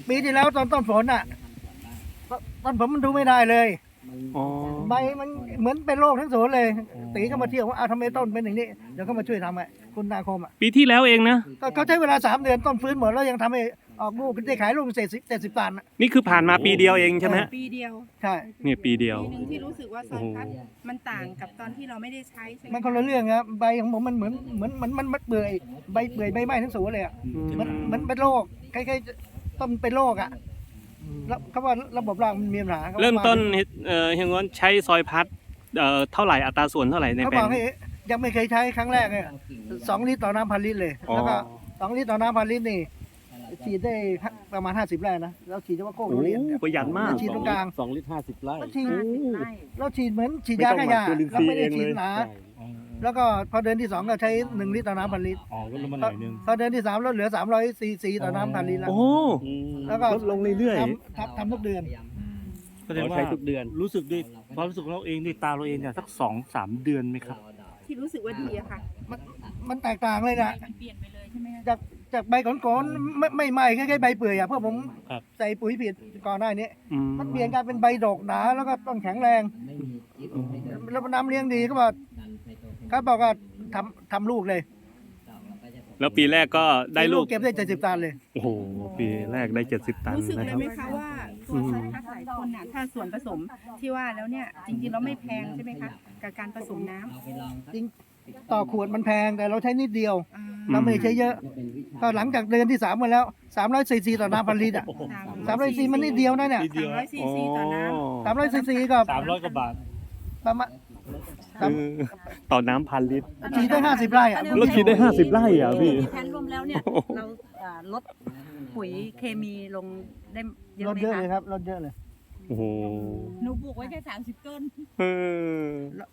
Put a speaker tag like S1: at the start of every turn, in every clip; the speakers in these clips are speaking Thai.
S1: ปีที่แล้วตอนต้นฝนอ่ะต้นผมมันดูไม่ได้เลย
S2: อ๋อ
S1: ใบมันเหมือนเป็นโรคทั้งสวนเลยตีก็มาเที่ยวว่าทำไมต้นเป็นอย่างนี้เดี๋ยวเขามาช่วยทำคุณนาคม
S2: ปีที่แล้วเองนะ
S1: ก็เขาใช้เวลา3 เดือนต้นฟื้นหมดแล้วยังทำให้ออกลูกได้ขายลูก70 ตัน
S2: นี่คือผ่านมาปีเดียวเองใช่ไหม
S3: ปีเดียว
S1: ใช่
S2: เนี่ยปีเดียว
S3: ปีหนึ่งที่รู้สึกว่าซอยพัดมันต่างกับตอนที่เราไม่ได้ใช้ใช่ไหม
S1: มันคนละเรื่องครับใบของผมมันเหมือนมันเปื่อยใบเปื่อยใบไหม้ทั้งสวนเลยอ่ะมันเป็นโรคคล้ายๆต้นเป็นโรคอ่ะแล้วเขาว่าระบบรากมันมีปัญหา
S2: เริ่มต้นเฮียงวนใช้ซอยพัดเท่าไหร่อัตราส่วนเท่าไหร่ใน
S1: เขา
S2: แปล
S1: บอง กให้ยังไม่เคยใช้ครั้งแรกเลย2 ลิตรต่อน้ำ1,000 ลิตรเลย
S2: อ๋อ
S1: แล้วก็2 ลิตรต่อน้ำ1,000 ลิตรนี่ฉีดได้ประมาณ50 ไร่นะแล้วฉีดเฉพาะโค้ง
S2: โอ้
S1: ทุเรียน
S2: ประหยัดมาก
S1: ฉีดตรงกลาง
S4: 2 ลิตร 50 ไร่
S1: แล้วฉีด
S3: ใช่
S1: เราฉีดเหมือนฉีดยาฆ่าหญ้า
S4: ไม่ต้องหมักจุลินท
S1: เรา
S4: รีย์
S1: ไม่ได้
S4: เอง
S1: ฉีด
S4: เลย
S1: หนา
S4: ใช่
S1: แล้วก็พอเดือนที่2ก็ใช้1 ลิตรต่อน้ำ1,000 ลิตร
S4: อ๋อลดลงมาหน่อยนึง
S1: พอเดือนที่3ลดเหลือ300 ซีต่อน้ำ1,000 ลิตรแล้ว
S2: โอ้
S1: แล้วก็
S4: ลดลงเรื่อย
S1: ทำทุกเดือน
S4: ๆแสดงว่าใช้ทุกเดือน รู้สึกด้วยความรู้สึกของเราเองด้วยตาเราเองเนี่ยสัก 2-3 เดือนไหมครับ
S3: ที่รู้สึกว่าดีอะค่ะ
S1: มันแตกต่างเลยนะ
S3: มันเปลี่ยนไปเลยใช่ไหมคะ
S1: จากใบก่อนๆไม่ไหม้แค่ใบเปื่อยอ่ะเพราะผม
S4: ครับ
S1: ใส่ปุ๋ยผิดก่อนหน้านี้
S2: อืม
S1: มันเปลี่ยนกลายเป็นใบดกหนาแล้วก็ต้นแข็งแรงแล้วน้ำเลี้ยงดีก็บอกเขาบอกว่าทำลูกเลย
S2: แล้วปีแรกก็ได้ลูก
S1: เก็บได้70 ตันเลย
S2: โอ้โห ปีแรกได้ 70 ตัน
S3: รู้สึก
S2: นะ
S3: เล
S2: ค
S3: ย
S2: รับ
S3: ไหมคะว่าตัวซอยพัดหลายคนน่ะถ้าส่วนผสมที่ว่าแล้วเนี่ยจริงๆเราไม่แพงใช่ไหมคะกับการผสมน้ำ
S1: จริงต่อขวดมันแพงแต่เราใช้นิดเดียว
S3: อ่า
S1: เราไม่ได้ใช้เยอะก็หลังจากเดือนที่3มาแล้ว300 ซีซีต่อน้ำ1,000 ลิตรอ่ะ300 ซีมันนิดเดียวนะเนี่ย
S4: นิดเดียว
S3: 300 ซีซีต่อน้ำ
S1: 300 ซีซีก็
S4: 300 กว่าบาท
S1: ประมาณ
S2: ต่อน้ำ1,000 ลิตร
S1: ฉีดได้50 ไร่อ่ะ
S2: แล้วฉีดได้ 50 ไร่อ่ะพี่
S5: มีแผนรวมแล้วเนี่ยเราลดปุ๋ยเคมีลงได้เย
S1: ล
S5: อะ
S1: ด
S5: ไหม
S1: เยอะเลย
S5: คะ
S1: ครับลดเยอะเลย
S2: โอ้โห
S5: หนูปลูกไว้แค่30 ต้น
S2: เออ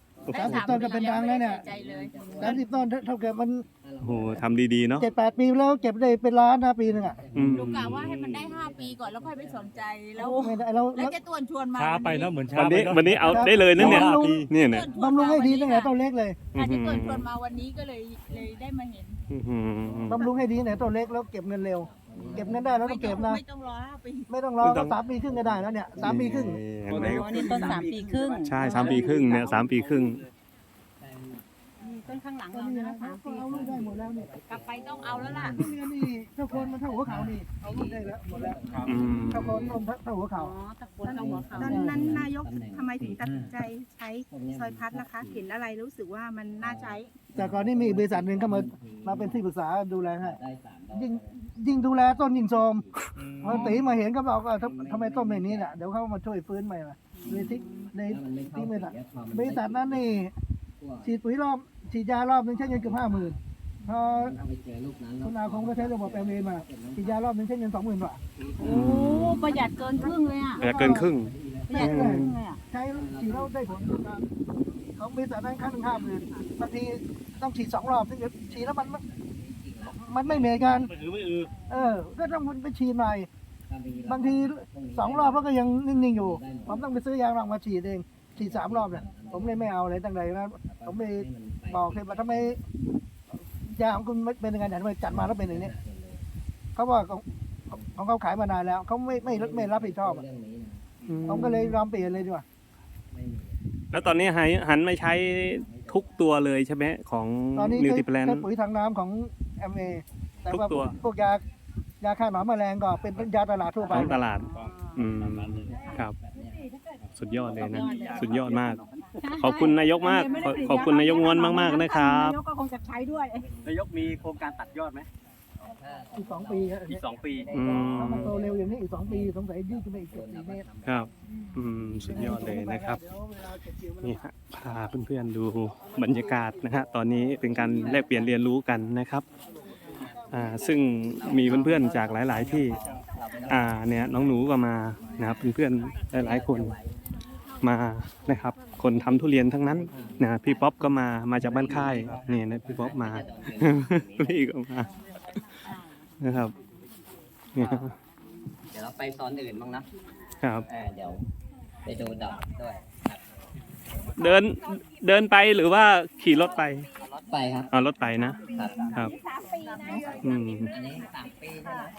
S1: 30 ต้นก็เป็นดังแล้วเนี่ย30 ต้นเท่ากับมัน
S2: โอ้โหทำดีๆเนาะ
S1: 7-8 ปีแล้วเก็บได้เป็นล้านนะปีหนึงอ่ะ
S2: อืม
S5: หนูกะว่าให้มันได้ 5 ปีก่อนแล้วค่อยไปสนใจ แล้ว
S1: ไม่ได้เรา
S5: แล้วแกตวนชวนมา
S4: ช้าไปเนอะเหมือนช้า
S2: วัน
S4: ไป
S2: นี้
S4: เนอะ
S2: วันนี้เอาได้เลยนะเนี่ย เนี่ยเนี่ย
S1: บำรุงให้ดีตั้งแต่ต้นเล็กเลย
S5: อาจจะตวนชวนมาวันนี้ก็เลยได้มาเห็น
S2: อื้อหือบ
S1: ำรุงให้ดีตั้งแต่ต้นเล็กแล้วเก็บเงินเร็ว เก็บเงินได้แล้วต้องเก็บนะ
S5: ไม่ต้องรอ5 ปี
S1: ไม่ต้องรอก็3 ปีครึ่งก็ได้แล้วเนี่ย3 ปีครึ่ง
S2: เห็นไหม
S5: อ๋อนี่ต้น3 ปีครึ่ง
S2: ใช่3 ปีครึ่งเนี่ย3 ปีครึ่ง
S5: ต้นข้างหลังเราเนี่ยนะ3 ปี
S1: เอาลูกได้หมดแล้วนี่
S5: กลับไปต้องเอาแล้วล่ะ
S1: ทุเรียนนี่เท่าคนมันเท่าหัวเข่านี่เอาลูกได้แล้วหมดแล้ว
S2: อืม
S1: เท่าคนต้นเท่าหัว
S5: อ๋
S1: เข่า
S5: อตะโกนเข้าหัวเขา
S3: ตอนนั้นนายกทำไมถึงตัดสินใจใช้ซอยพัดนะคะ เห็นอะไรรู้สึกว่ามันน่าใช้
S1: แต่ก่อนนี้มีบริษัทหนึ่งเข้ามาเป็นที่ปรึกษาดูแลให้ยิ่งดูแลต้นยิ่งโทรมพอตีมาเห็นก็บอกว่าทำไมต้นแบบนี้น่ะเดี๋ยวเขามาช่วยฟื้นใหม่ละเลยที่บริษัทนั้นนี่ฉีดปุ๋ยฉีดยารอบนึงใช้เงินเกือบ50,000พอคุณอาคงก็ใช้ระบบแอมเอมาฉีดยารอบนึงใช้เงิน20,000 บาท
S5: โอ้ประหยัดเกินครึ่งเลยอ่ะ
S2: แต่เกินครึ่ง
S5: ประหยัดเกินครึ่งเลยอ่ะ
S1: ใช้ฉีดแล้วได้ผลของบริษัทนั้นครั้งหนึ่ง50,000บางทีต้องฉีด2 รอบถึงจะฉีดแล้วมันไม่เหมือนกัน
S4: ไม่ไม่
S1: ก็ต้องไปฉีดใหม่ บางที2 รอบแล้วก็ยังนิ่งๆอยู่ ผมต้องไปซื้อยางรองมาฉีดเอง ฉีด3 รอบเนี่ยผมเลยไม่เอาเลยตั้งแต่นั้นผมเลยบอกเลยว่าทำไมยาของคุณเป็นยังไงเนี่ยทำไมจัดมาแล้วเป็นอย่างนี้เขาว่าของเขาขายมานานแล้วเขาไม่รับผิดชอบอะผมก็เลยยอมเปลี่ยนเลยดีกว่า
S2: แล้วตอนนี้หันมาใช้ทุกตัวเลยใช่ไหมของ
S1: ตอนนี้
S2: นิว
S1: ใช้
S2: ติแพลน
S1: ปุ๋ยทางน้ำของ MA แต่ว่า
S2: ทุกตัว
S1: พวกยาฆ่าหนอนแมลงก็เป็นยาตลาดทั่วไป
S2: ของตลาด อืมครับ สุดยอดเลยนะ สุดยอดมาก ขอบคุณนายกมาก ขอบคุณนายกงวนมาก ๆ นะครับ
S5: นายกก็คงจะใช้ด้วย
S6: นายกมีโครงการตัดยอดไหม
S1: อีก2 ปีครับ
S6: อีก2 ปี
S2: อืม
S1: ถ้ามันโตเร็วอย่างนี้อีก2 ปีสงสัยยืดขึ้นไปอีกเกือบ4 เมตร
S2: ครับ อืม สุดยอดเลยนะครับ นี่ฮะพาเพื่อนๆดูบรรยากาศนะฮะ ตอนนี้เป็นการแลกเปลี่ยนเรียนรู้กันนะครับ ซึ่งมีเพื่อนๆจากหลาย ๆ ที่ เนี่ยน้องหนูก็มานะครับเพื่อนๆหลายๆคนมานะครับ คนทำทุเรียนทั้งนั้นนะพี่ป๊อปก็มาจากบ้านค่ายนี่นะพี่ป๊อปมา พี่ก็มานะครับเนี่ย
S6: เดี๋ยวเราไปโซนอื่นบ้างนะครับ เดี๋ยวไปดูดอกด้วยครับ
S2: เดินไปหรือว่าขี่รถไป
S6: รถไปครับ
S2: รถไปนะครับ ครับอืม
S6: อันนี้3 ปีใช่ไหม